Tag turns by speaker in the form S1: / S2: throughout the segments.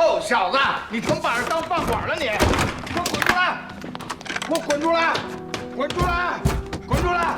S1: 臭小子，你成把人当饭馆了你！给我滚出来！给我滚出来！滚出来！滚出来！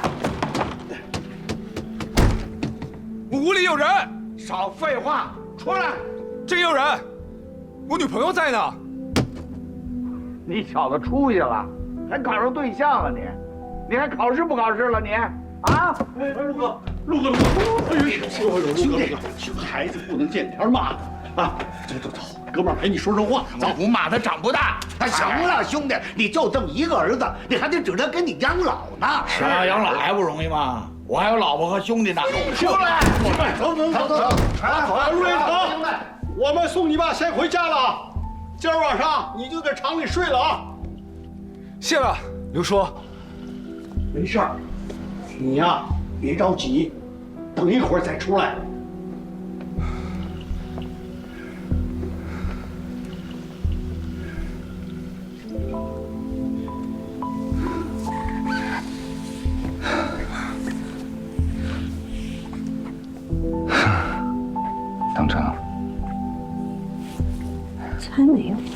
S2: 屋里有人！
S1: 少废话，出来！
S2: 真有人！我女朋友在呢。
S1: 你小子出息了，还考上对象了你？你还考试不考试了你？啊！
S3: 陆哥，哎呦，兄弟，孩子不能见天骂啊！走，哥们儿陪你说说话。
S1: 走，不骂他长不大。
S4: 行了，兄弟，你就这么一个儿子，你还得指着给你养老呢。
S1: 是啊，养老还不容易吗？我还有老婆和兄弟呢。出来！
S3: 走，陆连成，我们送你爸先回家了，今儿晚上你就在厂里睡了啊。
S2: 谢了，刘叔。
S3: 没事儿，你呀别着急，等一会儿再出来。
S5: 当真了？
S6: 才没有。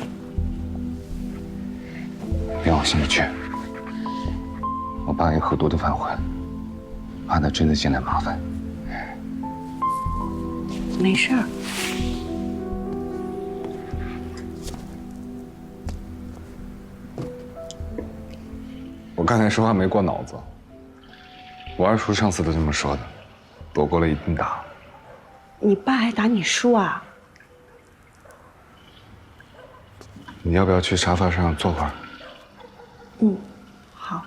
S5: 别往心里去。我爸给喝多的饭混，怕他真的进来麻烦。
S6: 没事儿。
S5: 我刚才说话没过脑子。我二叔上次都这么说的，躲过了一顿打。
S6: 你爸还打你叔啊？
S5: 你要不要去沙发上坐会儿？
S6: 嗯，好。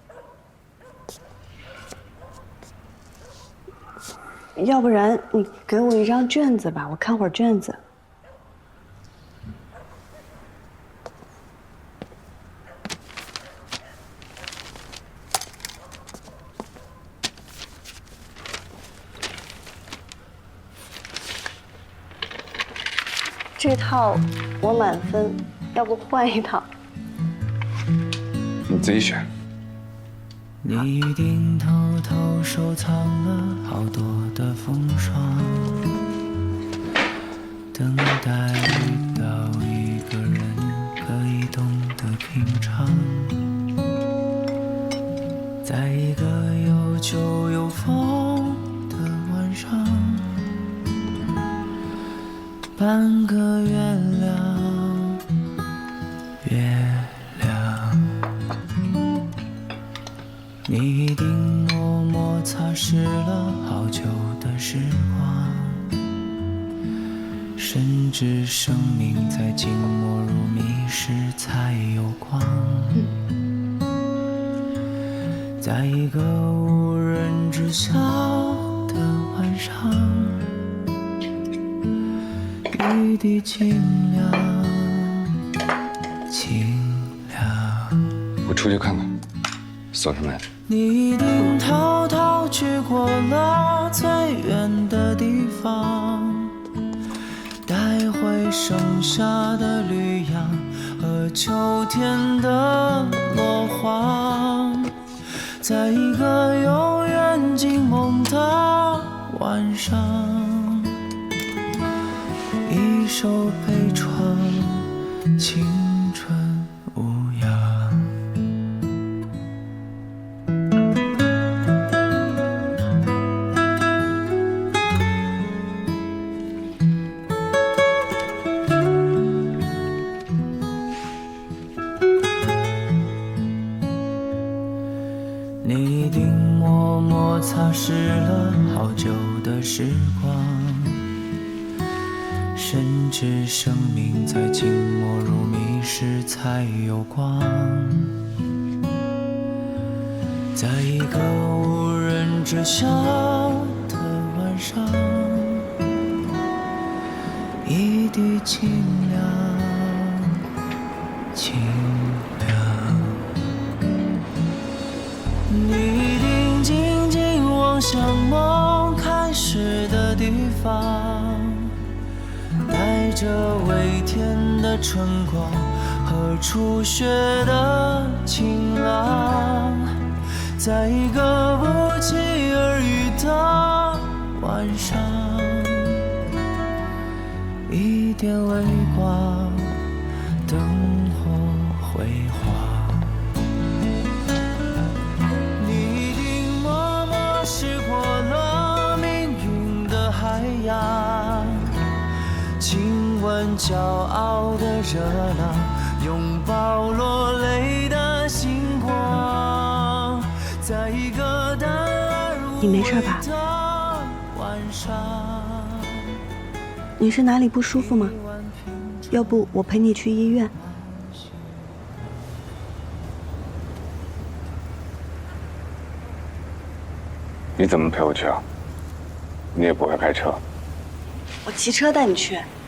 S6: 要不然你给我一张卷子吧，我看会儿卷子。这套我满分，要不换一套？
S5: 你自己选。
S7: 你一定偷偷收藏了好多的风霜，等待遇到一个人可以懂得品尝，在一个有酒有风的晚上，半个月亮，月亮，你一定默默擦拭了好久的时光，甚至生命在静默如谜时才有光，在一个无人知晓的晚上，一滴清凉，清凉。
S5: 我出去看看，锁上来。
S7: 你一定偷偷去过了最远的地方，带回剩下的绿杨和秋天的落黄，在一个永远静梦的晚上，一首悲怆，青春无恙。你一定默默擦拭了好久的时光，甚至生命在静默如谜时才有光，在一个无人知晓的晚上，一滴清凉，清凉。你一定静静望向梦开始的地方，带着微甜的春光和初雪的晴朗，在一个不期而遇的晚上，一点微光，灯火辉煌。你一定默默驶过了命运的海洋，亲吻骄傲的热浪，拥抱落泪的星光，在一个淡而
S6: 你没事吧？
S7: 晚上，
S6: 你是哪里不舒服吗？要不我陪你去医院。
S5: 你怎么陪我去啊？你也不会开车。
S6: 我骑车带你去。